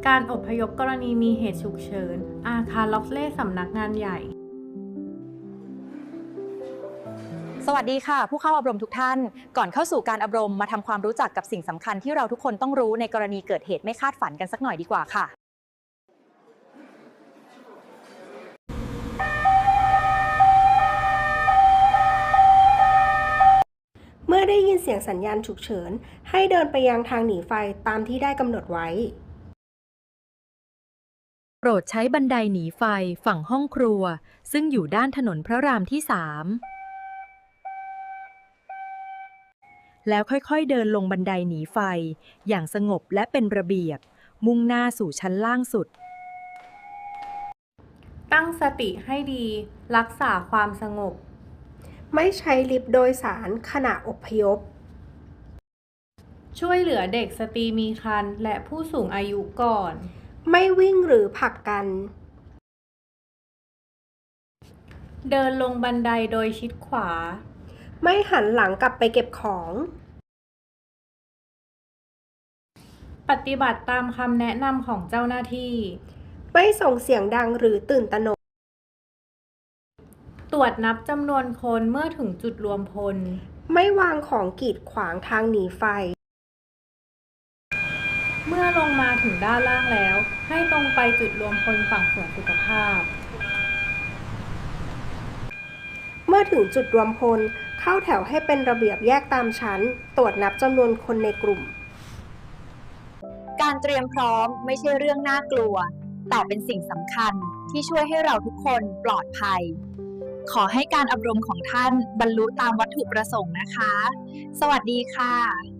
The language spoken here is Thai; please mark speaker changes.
Speaker 1: การอพยพกรณีมีเหตุฉุกเฉินอาคารล็อกเล่สำนักงานใหญ่
Speaker 2: สวัสดีค่ะผู้เข้าอบรมทุกท่านก่อนเข้าสู่การอบรมมาทำความรู้จักกับสิ่งสำคัญที่เราทุกคนต้องรู้ในกรณีเกิดเหตุไม่คาดฝันกันสักหน่อยดีกว่าค่ะ
Speaker 3: เมื่อได้ยินเสียงสัญญาณฉุกเฉินให้เดินไปยังทางหนีไฟตามที่ได้กำหนดไว้
Speaker 4: โปรดใช้บันไดหนีไฟฝั่งห้องครัวซึ่งอยู่ด้านถนนพระรามที่ 3แล้วค่อยๆเดินลงบันไดหนีไฟอย่างสงบและเป็นระเบียบมุ่งหน้าสู่ชั้นล่างสุด
Speaker 1: ตั้งสติให้ดีรักษาความสงบ
Speaker 3: ไม่ใช้ลิฟต์โดยสารขณะอพยพ
Speaker 1: ช่วยเหลือเด็กสตรีมีครรภ์และผู้สูงอายุก่อน
Speaker 3: ไม่วิ่งหรือผลักกัน
Speaker 1: เดินลงบันไดโดยชิดขวา
Speaker 3: ไม่หันหลังกลับไปเก็บของ
Speaker 1: ปฏิบัติตามคำแนะนำของเจ้าหน้าที่
Speaker 3: ไม่ส่งเสียงดังหรือตื่นตระหนก
Speaker 1: ตรวจนับจำนวนคนเมื่อถึงจุดรวมพล
Speaker 3: ไม่วางของกีดขวางทางหนีไฟ
Speaker 1: เมื่อลงมาถึงด้านล่างแล้วให้ตรงไปจุดรวมพลฝั่งสวนสุขภาพ
Speaker 3: เมื่อถึงจุดรวมพลเข้าแถวให้เป็นระเบียบแยกตามชั้นตรวจนับจำนวนคนในกลุ่ม
Speaker 2: การเตรียมพร้อมไม่ใช่เรื่องน่ากลัวแต่เป็นสิ่งสำคัญที่ช่วยให้เราทุกคนปลอดภัยขอให้การอบรมของท่านบรรลุตามวัตถุประสงค์นะคะสวัสดีค่ะ